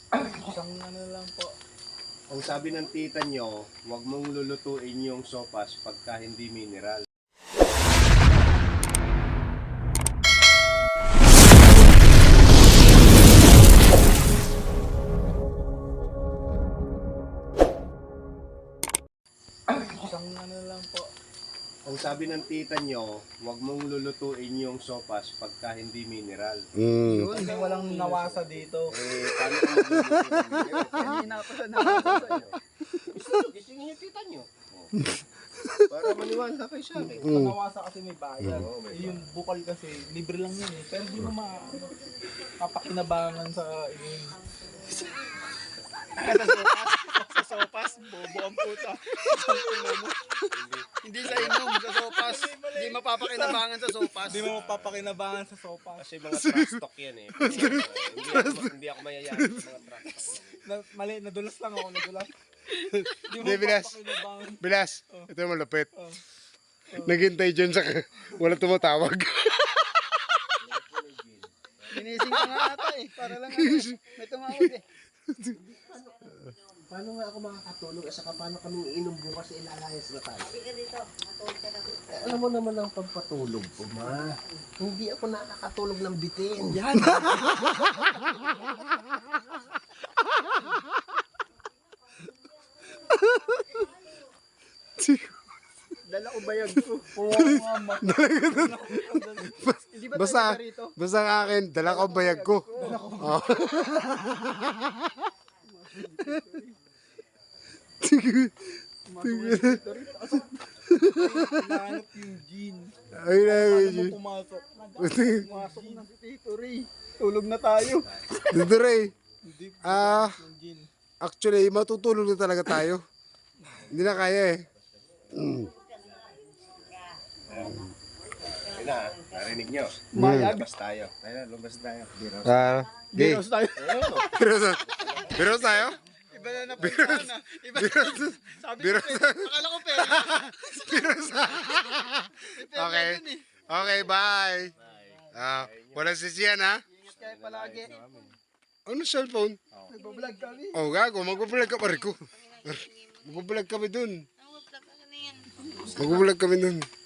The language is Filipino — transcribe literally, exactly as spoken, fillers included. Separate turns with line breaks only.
Isang ano lang po.
Ang sabi ng tita nyo, huwag mong lulutuin yung sopas pagka hindi mineral.
Isang ano lang po.
Ang sabi ng tita nyo, huwag mong lulutuin yung sopas pagka hindi mineral.
Mm.
Kasi walang nawasa dito.
Eh, paano kung magluluto?
Kanina pa sa nawasa sa'yo.
Gisingin yung tita nyo. Oh. Para maniwala kayo sa akin.
Sa nawasa kasi may bayad.
Oo, may
Eh, yung bukal kasi, libre lang yun eh. Pero di mo ma... papakinabangan sa inyong...
Sa sopas, sa sopas, bobo ang puta. Hindi sa inom, sa sopas. Hindi mapapakinabangan sa sopas.
Di mo mapapakinabangan sa sopa.
Kasi mga trash talk yan eh. Kasi, uh, hindi, ako, hindi ako mayayain sa mga trash talk.
Na, mali, nadulas lang ako, nadulas. Di mo
Hindi, bilas.
mapapakinabangan.
Bilas, ito yung malapit.
Oh.
Naghintay dyan sa wala tumatawag.
Ginising ka nga ata eh. Para lang ano, may tumawag eh.
Paano nga ako makakatulog? At saka paano kami iinom bukas sa ilalayas na tayo? Eh, alam mo naman ang pagpatulog ko, ma. Hindi ako nakakatulog ng bitin.
Yan. Dala ko bayag ko.
Oo nga, ma.
Hindi ba
Basta,
tayo rito?
basta ang akin, dala ko ang bayag ko. Oh.
Hinahanap yung gin.
Ay, ay,
Paano
ay.
mo pumasok?
Pumasok na si Tito Ray. Tulog na tayo.
Dito rin.
Hindi,
Ah,
yung gin.
actually, matutulog na talaga tayo. Hindi na kaya eh. Mm.
Ayun na, narinig nyo.
Mayag.
Lumabas tayo. Ayun, lumabas tayo. Biro.
Ah, di.
Biros tayo.
Biros, biros tayo?
Iba na napunta na. Iba
Biros,
Sabi
biros.
ko, eh, akala ko pera.
Biros.
May pera
Okay.
dun eh.
Okay, bye. Ah, walang sisiyan ha?
Ingat kayo palagi.
Ano cellphone?
Nagbablog kami.
Oh, gago, magbablog ka pa rin ko. Magbablog kami dun. Magbablog kami dun.